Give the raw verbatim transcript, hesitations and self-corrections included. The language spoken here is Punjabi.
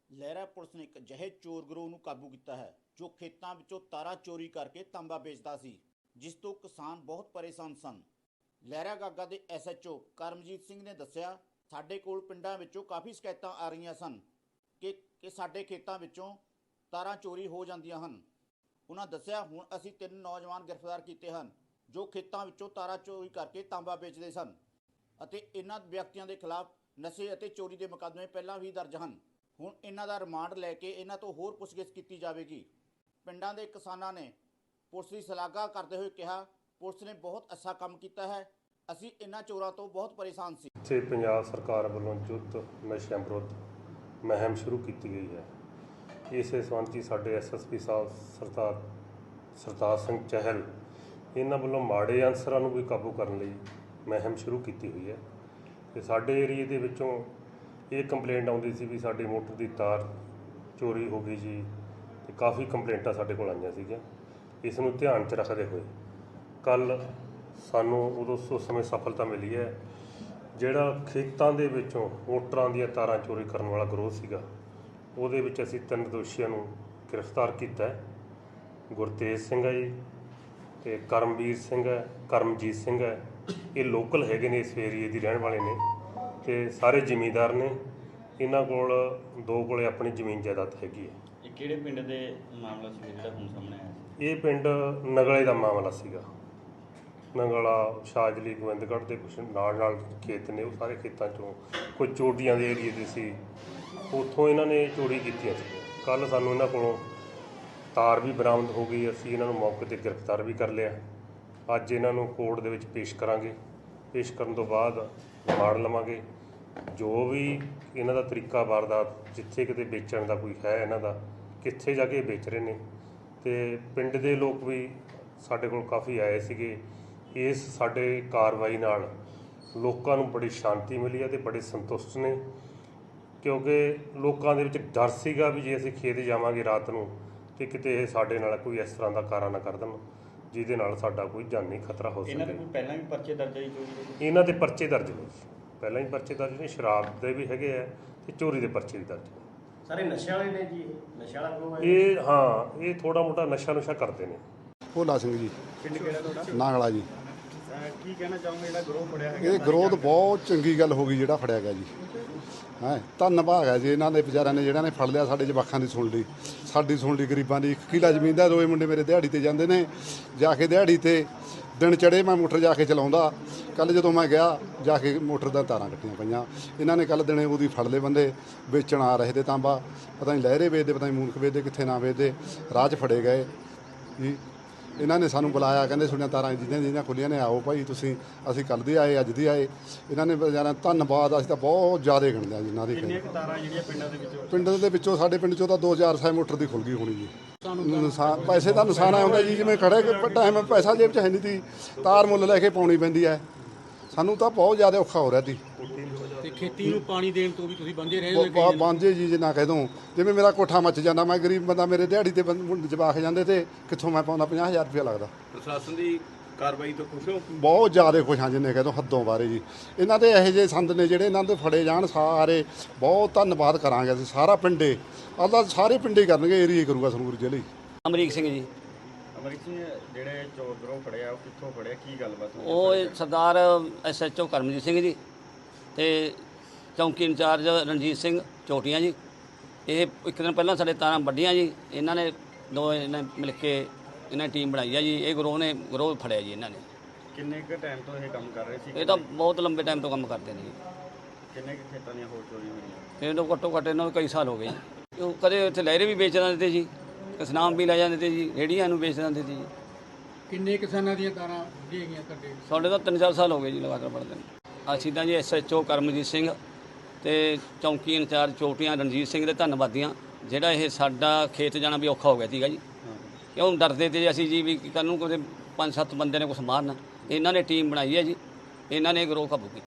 ਲਹਿਰਾ ਪੁਲਿਸ ਨੇ ਇੱਕ ਅਜਿਹੇ ਚੋਰ ਗਰੋਹ ਨੂੰ ਕਾਬੂ ਕੀਤਾ ਹੈ ਜੋ ਖੇਤਾਂ ਵਿੱਚੋਂ ਤਾਰਾਂ ਚੋਰੀ ਕਰਕੇ ਤਾਂਬਾ ਵੇਚਦਾ ਸੀ, ਜਿਸ ਤੋਂ ਕਿਸਾਨ ਬਹੁਤ ਪਰੇਸ਼ਾਨ ਸਨ। ਲਹਿਰਾ ਗਾਗਾ ਦੇ S H O Karamjit Singh ਨੇ ਦੱਸਿਆ, ਸਾਡੇ ਕੋਲ ਪਿੰਡਾਂ ਵਿੱਚੋਂ ਕਾਫੀ ਸ਼ਿਕਾਇਤਾਂ ਆ ਰਹੀਆਂ ਸਨ ਕਿ ਕਿ ਸਾਡੇ ਖੇਤਾਂ ਵਿੱਚੋਂ ਤਾਰਾਂ ਚੋਰੀ ਹੋ ਜਾਂਦੀਆਂ ਹਨ। ਉਹਨਾਂ ਦੱਸਿਆ, ਹੁਣ ਅਸੀਂ ਤਿੰਨ ਨੌਜਵਾਨ ਗ੍ਰਿਫਤਾਰ ਕੀਤੇ ਹਨ ਜੋ ਖੇਤਾਂ ਵਿੱਚੋਂ ਤਾਰਾਂ ਚੋਰੀ ਕਰਕੇ ਤਾਂਬਾ ਵੇਚਦੇ ਸਨ ਅਤੇ ਇਹਨਾਂ ਵਿਅਕਤੀਆਂ ਦੇ ਖਿਲਾਫ ਨਸ਼ੇ ਅਤੇ ਚੋਰੀ ਦੇ ਮੁਕੱਦਮੇ ਪਹਿਲਾਂ ਵੀ ਦਰਜ ਹਨ। ਹੁਣ ਇਹਨਾਂ ਦਾ ਰਿਮਾਂਡ ਲੈ ਕੇ ਇਹਨਾਂ ਤੋਂ ਹੋਰ ਪੁੱਛਗਿੱਛ ਕੀਤੀ ਜਾਵੇਗੀ। ਪਿੰਡਾਂ ਦੇ ਕਿਸਾਨਾਂ ਨੇ ਪੁਲਿਸ ਦੀ ਸ਼ਲਾਘਾ ਕਰਦੇ ਹੋਏ ਕਿਹਾ, ਪੁਲਿਸ ਨੇ ਬਹੁਤ ਅੱਛਾ ਕੰਮ ਕੀਤਾ ਹੈ, ਅਸੀਂ ਇਹਨਾਂ ਚੋਰਾਂ ਤੋਂ ਬਹੁਤ ਪਰੇਸ਼ਾਨ ਸੀ। ਇੱਥੇ ਪੰਜਾਬ ਸਰਕਾਰ ਵੱਲੋਂ ਯੁੱਧ ਨਸ਼ਿਆਂ ਵਿਰੁੱਧ ਮੁਹਿੰਮ ਸ਼ੁਰੂ ਕੀਤੀ ਗਈ ਹੈ। ਇਸੇ ਸੰਬੰਧ 'ਚ ਸਾਡੇ ਐਸ ਐਸ ਪੀ ਸਾਹਿਬ ਸਰਦਾਰ ਸਰਤਾਜ ਸਿੰਘ ਚਹਿਲ ਇਹਨਾਂ ਵੱਲੋਂ ਮਾੜੇ ਅਨਸਰਾਂ ਨੂੰ ਵੀ ਕਾਬੂ ਕਰਨ ਲਈ ਮੁਹਿੰਮ ਸ਼ੁਰੂ ਕੀਤੀ ਹੋਈ ਹੈ। ਅਤੇ ਸਾਡੇ ਏਰੀਏ ਦੇ ਵਿੱਚੋਂ ਇਹ ਕੰਪਲੇਂਟ ਆਉਂਦੀ ਸੀ ਵੀ ਸਾਡੀ ਮੋਟਰ ਦੀ ਤਾਰ ਚੋਰੀ ਹੋ ਗਈ ਜੀ, ਅਤੇ ਕਾਫੀ ਕੰਪਲੇਂਟਾਂ ਸਾਡੇ ਕੋਲ ਆਈਆਂ ਸੀਗੀਆਂ। ਇਸ ਨੂੰ ਧਿਆਨ 'ਚ ਰੱਖਦੇ ਹੋਏ ਕੱਲ੍ਹ ਸਾਨੂੰ ਉਦੋਂ ਉਸ ਸਮੇਂ ਸਫਲਤਾ ਮਿਲੀ ਹੈ। ਜਿਹੜਾ ਖੇਤਾਂ ਦੇ ਵਿੱਚੋਂ ਮੋਟਰਾਂ ਦੀਆਂ ਤਾਰਾਂ ਚੋਰੀ ਕਰਨ ਵਾਲਾ ਗਰੋਹ ਸੀਗਾ, ਉਹਦੇ ਵਿੱਚ ਅਸੀਂ ਤਿੰਨ ਦੋਸ਼ੀਆਂ ਨੂੰ ਗ੍ਰਿਫਤਾਰ ਕੀਤਾ ਹੈ। ਗੁਰਤੇਜ ਸਿੰਘ ਹੈ ਜੀ, ਅਤੇ ਕਰਮਵੀਰ ਸਿੰਘ ਹੈ, ਕਰਮਜੀਤ ਸਿੰਘ ਹੈ। ਇਹ ਲੋਕਲ ਹੈਗੇ ਨੇ, ਇਸ ਏਰੀਏ ਦੀ ਰਹਿਣ ਵਾਲੇ ਨੇ ਅਤੇ ਸਾਰੇ ਜ਼ਿਮੀਂਦਾਰ ਨੇ। ਇਹਨਾਂ ਕੋਲ ਦੋ ਕੋਲੇ ਆਪਣੀ ਜ਼ਮੀਨ ਜਾਇਦਾਦ ਹੈਗੀ ਹੈ। ਇਹ ਕਿਹੜੇ ਪਿੰਡ ਦੇ ਮਾਮਲਾ ਸੀ ਜਿਹੜਾ ਹੁਣ ਸਾਹਮਣੇ ਆਇਆ? ਇਹ ਪਿੰਡ ਨਗਲੇ ਦਾ ਮਾਮਲਾ ਸੀਗਾ। ਨਗਲਾ, ਸ਼ਾਜਲੀ, ਗੋਬਿੰਦਗੜ੍ਹ ਦੇ ਕੁਛ ਨਾਲ ਨਾਲ ਖੇਤ ਨੇ, ਉਹ ਸਾਰੇ ਖੇਤਾਂ 'ਚੋਂ ਕੋਈ ਚੋਟੀਆਂ ਦੇ ਏਰੀਏ ਦੇ ਸੀ, ਉੱਥੋਂ ਇਹਨਾਂ ਨੇ ਚੋਰੀ ਕੀਤੀਆਂ ਸੀ। ਕੱਲ੍ਹ ਸਾਨੂੰ ਇਹਨਾਂ ਕੋਲੋਂ ਤਾਰ ਵੀ ਬਰਾਮਦ ਹੋ ਗਈ, ਅਸੀਂ ਇਹਨਾਂ ਨੂੰ ਮੌਕੇ 'ਤੇ ਗ੍ਰਿਫਤਾਰ ਵੀ ਕਰ ਲਿਆ। ਅੱਜ ਇਹਨਾਂ ਨੂੰ ਕੋਰਟ ਦੇ ਵਿੱਚ ਪੇਸ਼ ਕਰਾਂਗੇ। ਪੇਸ਼ ਕਰਨ ਤੋਂ ਬਾਅਦ ਰਿਮਾਂਡ ਲਵਾਂਗੇ। ਜੋ ਵੀ ਇਹਨਾਂ ਦਾ ਤਰੀਕਾ ਵਾਰਦਾਤ, ਜਿੱਥੇ ਕਿਤੇ ਵੇਚਣ ਦਾ ਕੋਈ ਹੈ ਇਹਨਾਂ ਦਾ, ਕਿੱਥੇ ਜਾ ਕੇ ਵੇਚ ਰਹੇ ਨੇ। ਅਤੇ ਪਿੰਡ ਦੇ ਲੋਕ ਵੀ ਸਾਡੇ ਕੋਲ ਕਾਫੀ ਆਏ ਸੀਗੇ। ਇਸ ਸਾਡੇ ਕਾਰਵਾਈ ਨਾਲ ਲੋਕਾਂ ਨੂੰ ਬੜੀ ਸ਼ਾਂਤੀ ਮਿਲੀ ਹੈ ਅਤੇ ਬੜੇ ਸੰਤੁਸ਼ਟ ਨੇ, ਕਿਉਂਕਿ ਲੋਕਾਂ ਦੇ ਵਿੱਚ ਡਰ ਸੀਗਾ ਵੀ ਜੇ ਅਸੀਂ ਖੇਤ ਜਾਵਾਂਗੇ ਰਾਤ ਨੂੰ ਅਤੇ ਕਿਤੇ ਇਹ ਸਾਡੇ ਨਾਲ ਕੋਈ ਇਸ ਤਰ੍ਹਾਂ ਦਾ ਕਾਰਾ ਨਾ ਕਰ ਦੇਣ ਜਿਹਦੇ ਨਾਲ ਸਾਡਾ ਕੋਈ ਜਾਨੀ ਖਤਰਾ ਹੋ ਸਕੇ। ਇਹਨਾਂ ਦੇ ਕੋਈ ਪਹਿਲਾਂ ਵੀ ਪਰਚੇ ਦਰਜ ਹੈ ਚੋਰੀ? ਇਹਨਾਂ ਦੇ ਪਰਚੇ ਦਰਜ ਨੇ, ਪਹਿਲਾਂ ਹੀ ਪਰਚੇ ਦਰਜ ਨੇ, ਸ਼ਰਾਬ ਦੇ ਵੀ ਹੈਗੇ ਆ ਅਤੇ ਚੋਰੀ ਦੇ ਪਰਚੇ ਵੀ ਦਰਜ ਨੇ। ਸਾਰੇ ਨਸ਼ੇ ਵਾਲੇ ਨੇ ਜੀ? ਨਸ਼ਾ ਵਾਲਾ ਗਰੋਹ ਹੈ ਇਹ? ਹਾਂ, ਇਹ ਥੋੜ੍ਹਾ ਮੋਟਾ ਨਸ਼ਾ ਨੁਸ਼ਾ ਕਰਦੇ ਨੇ। ਭੋਲਾ ਸਿੰਘ ਜੀ, ਪਿੰਡ ਕਿਹੜਾ ਤੁਹਾਡਾ? ਨਾਗਲਾ ਜੀ। ਕੀ ਕਹਿਣਾ ਚਾਹੋਗੇ ਜਿਹੜਾ ਗਰੋਹ ਫੜਿਆ ਹੈਗਾ? ਇਹ ਗਰੋਹ ਬਹੁਤ ਚੰਗੀ ਗੱਲ ਹੋ ਗਈ ਜਿਹੜਾ ਫੜਿਆ ਗਿਆ ਜੀ। ਹੈਂ, ਧੰਨਵਾਦ ਹੈ ਜੀ ਇਹਨਾਂ ਦੇ ਵਿਚਾਰਿਆਂ ਨੇ ਜਿਹੜਾ ਨੇ ਫੜ ਲਿਆ। ਸਾਡੇ ਜਵਾਕਾਂ ਦੀ ਸੁਣ ਲਈ, ਸਾਡੀ ਸੁਣ ਲਈ, ਗਰੀਬਾਂ ਦੀ। ਇੱਕ ਕਿੱਲਾ ਜ਼ਮੀਨ ਦਾ, ਦੋਵੇਂ ਮੁੰਡੇ ਮੇਰੇ ਦਿਹਾੜੀ 'ਤੇ ਜਾਂਦੇ ਨੇ। ਜਾ ਕੇ ਦਿਹਾੜੀ 'ਤੇ ਦਿਨ ਚੜ੍ਹੇ ਮੈਂ ਮੋਟਰ ਜਾ ਕੇ ਚਲਾਉਂਦਾ। ਕੱਲ੍ਹ ਜਦੋਂ ਮੈਂ ਗਿਆ ਜਾ ਕੇ ਮੋਟਰ ਦੀਆਂ ਤਾਰਾਂ ਕੱਟੀਆਂ ਪਈਆਂ। ਇਹਨਾਂ ਨੇ ਕੱਲ੍ਹ ਦਿਨੇ ਉਹਦੀ ਫੜ ਲਏ ਬੰਦੇ, ਵੇਚਣ ਆ ਰਹੇ ਤੇ ਤਾਂਬਾ। ਪਤਾ ਨਹੀਂ ਲਹਿਰੇ ਵੇਚਦੇ, ਪਤਾ ਨਹੀਂ ਮੂਨਕ ਵੇਚਦੇ, ਕਿੱਥੇ ਨਾ ਵੇਚਦੇ। ਰਾਹ 'ਚ ਫੜੇ ਗਏ ਜੀ। ਇਹਨਾਂ ਨੇ ਸਾਨੂੰ ਬੁਲਾਇਆ, ਕਹਿੰਦੇ ਤੁਹਾਡੀਆਂ ਤਾਰਾਂ ਜਿਹਦੀਆਂ ਜਿਹਦੀਆਂ ਖੁੱਲੀਆਂ ਨੇ, ਆਓ ਭਾਈ ਤੁਸੀਂ। ਅਸੀਂ ਕੱਲ੍ਹ ਦੇ ਆਏ, ਅੱਜ ਦੀ ਆਏ। ਇਹਨਾਂ ਨੇ ਵਿਚਾਰਿਆਂ ਦਾ ਧੰਨਵਾਦ ਅਸੀਂ ਤਾਂ ਬਹੁਤ ਜ਼ਿਆਦਾ ਗਿਣਦੇ ਹਾਂ ਜਿਨ੍ਹਾਂ ਦੀ। ਕਿੰਨੀਆਂ ਤਾਰਾਂ ਜਿਹੜੀਆਂ ਪਿੰਡਾਂ ਦੇ ਵਿੱਚੋਂ? ਪਿੰਡ ਦੇ ਵਿੱਚੋਂ ਸਾਡੇ ਪਿੰਡ 'ਚੋਂ ਤਾਂ ਦੋ ਹਜ਼ਾਰ ਸੌ ਮੋਟਰ ਦੀ ਖੁੱਲ ਗਈ ਹੋਣੀ ਜੀ। ਨੁਕਸਾਨ, ਪੈਸੇ ਦਾ ਨੁਕਸਾਨ ਆਉਂਦਾ ਜੀ। ਜਿਵੇਂ ਖੜੇ ਟਾਈਮ ਪੈਸਾ ਜੇਬ 'ਚ ਹੈ ਨਹੀਂ ਤੀ, ਤਾਰ ਮੁੱਲ ਲੈ ਕੇ ਪਾਉਣੀ ਪੈਂਦੀ ਹੈ। ਸਾਨੂੰ ਤਾਂ ਬਹੁਤ ਜ਼ਿਆਦਾ ਔਖਾ ਹੋ ਰਿਹਾ ਸੀ। ਤੇ ਖੇਤੀ ਨੂੰ ਪਾਣੀ ਦੇਣ ਤੋਂ ਵੀ ਤੁਸੀਂ ਬੰਦੇ ਰਹੇ ਹੋ? ਬਾਂਝੇ ਜੀ ਜੇ ਨਾ ਕਹਿ ਦੂੰ। ਜਿਵੇਂ ਮੇਰਾ ਕੋਠਾ ਮੱਚ ਜਾਂਦਾ, ਮੈਂ ਗਰੀਬ ਬੰਦਾ, ਮੇਰੇ ਦਿਹਾੜੀ ਤੇ ਜਵਾਕ ਜਾਂਦੇ ਤੇ ਕਿੱਥੋਂ ਮੈਂ ਪਾਉਂਦਾ ਪੰਜਾਹ ਹਜ਼ਾਰ ਰੁਪਇਆ ਲੱਗਦਾ। ਪ੍ਰਸ਼ਾਸਨ ਦੀ ਕਾਰਵਾਈ ਤੋਂ ਖੁਸ਼ ਹੋ? ਬਹੁਤ ਜ਼ਿਆਦਾ ਖੁਸ਼ ਹਾਂ ਜਿੰਨੇ ਕਹਿ ਦੋ ਹੱਦੋਂ ਬਾਰੇ ਜੀ। ਇਹਨਾਂ ਦੇ ਇਹੋ ਜਿਹੇ ਸੰਦ ਨੇ ਜਿਹੜੇ ਇਹਨਾਂ ਦੇ ਫੜੇ ਜਾਣ, ਸਾਰੇ ਬਹੁਤ ਧੰਨਵਾਦ ਕਰਾਂਗੇ ਅਸੀਂ ਸਾਰਾ ਪਿੰਡੇ। ਅੱਲਾ ਸਾਰੇ ਪਿੰਡੇ ਕਰਨਗੇ, ਏਰੀਏ ਕਰੂਗਾ ਸੰਗਰੂਰ ਜ਼ਿਲ੍ਹੇ। ਅਮਰੀਕ ਸਿੰਘ ਜੀ। ਅਮਰੀਕ ਸਿੰਘ, ਜਿਹੜੇ ਚੋਰ ਗਰੋਹ ਫੜਿਆ ਉਹ ਕਿੱਥੋਂ ਫੜਿਆ, ਕੀ ਗੱਲਬਾਤ ਹੋਈ? ਉਹ ਸਰਦਾਰ S H O Karamjit Singh ji ਅਤੇ ਚੌਂਕੀ ਇੰਚਾਰਜ ਰਣਜੀਤ ਸਿੰਘ ਚੋਟੀਆਂ ਜੀ। ਇਹ ਇੱਕ ਦਿਨ ਪਹਿਲਾਂ ਸਾਡੇ ਤਾਰਾਂ ਵੱਢੀਆਂ ਜੀ। ਇਹਨਾਂ ਨੇ ਦੋ ਇਹਨਾਂ ਮਿਲ ਕੇ ਇਹਨਾਂ ਟੀਮ ਬਣਾਈ ਆ ਜੀ। ਇਹ ਗਰੋਹ ਨੇ ਗਰੋਹ ਫੜਿਆ ਜੀ ਇਹਨਾਂ ਨੇ। ਕਿੰਨੇ ਕੁ ਟਾਈਮ ਤੋਂ ਇਹ ਕੰਮ ਕਰ ਰਹੇ ਸੀ? ਇਹ ਤਾਂ ਬਹੁਤ ਲੰਬੇ ਟਾਈਮ ਤੋਂ ਕੰਮ ਕਰਦੇ ਨੇ ਜੀ। ਕਿੰਨੇ ਕੁ ਖੇਤਾਂ ਦੀਆਂ ਹੋਰ ਚੋਰੀ ਹੋਈਆਂ? ਇਹ ਤੋਂ ਘੱਟੋ ਘੱਟ ਇਹਨਾਂ ਨੂੰ ਕਈ ਸਾਲ ਹੋ ਗਏ ਜੀ। ਉਹ ਕਦੇ ਉੱਥੇ ਲਹਿਰੇ ਵੀ ਵੇਚ ਦਿੰਦੇ ਤੇ ਜੀ, ਸਨਾਮ ਵੀ ਲੈ ਜਾਂਦੇ ਤੇ ਜੀ, ਰੇਹੜੀਆਂ ਨੂੰ ਵੇਚ ਦਿੰਦੇ ਤੇ ਜੀ। ਕਿੰਨੇ ਕਿਸਾਨਾਂ ਦੀਆਂ ਤਾਰਾਂ ਵੱਢੀਆਂ ਗਈਆਂ ਤੁਹਾਡੇ? ਸਾਡੇ ਤਾਂ ਤਿੰਨ ਚਾਰ ਸਾਲ ਹੋ ਗਏ ਜੀ ਲਗਾਤਾਰ ਪੜ੍ਹਦੇ ਨੇ। ਅਸੀਂ ਤਾਂ ਜੀ S H O Karamjit Singh ਅਤੇ ਚੌਂਕੀ ਇੰਚਾਰਜ ਚੋਟੀਆਂ ਰਣਜੀਤ ਸਿੰਘ ਦੇ ਧੰਨਵਾਦੀਆਂ। ਜਿਹੜਾ ਇਹ ਸਾਡਾ ਖੇਤ ਜਾਣਾ ਵੀ ਔਖਾ ਹੋ ਗਿਆ ਸੀਗਾ ਜੀ, ਕਿਉਂ ਡਰਦੇ ਤੇ ਅਸੀਂ ਜੀ ਵੀ ਕੱਲ੍ਹ ਨੂੰ ਕੋਈ ਪੰਜ ਸੱਤ ਬੰਦੇ ਨੇ ਕੁਛ ਮਾਰਨ। ਇਹਨਾਂ ਨੇ ਟੀਮ ਬਣਾਈ ਹੈ ਜੀ, ਇਹਨਾਂ ਨੇ ਗਰੋਹ ਕਾਬੂ ਕੀਤਾ।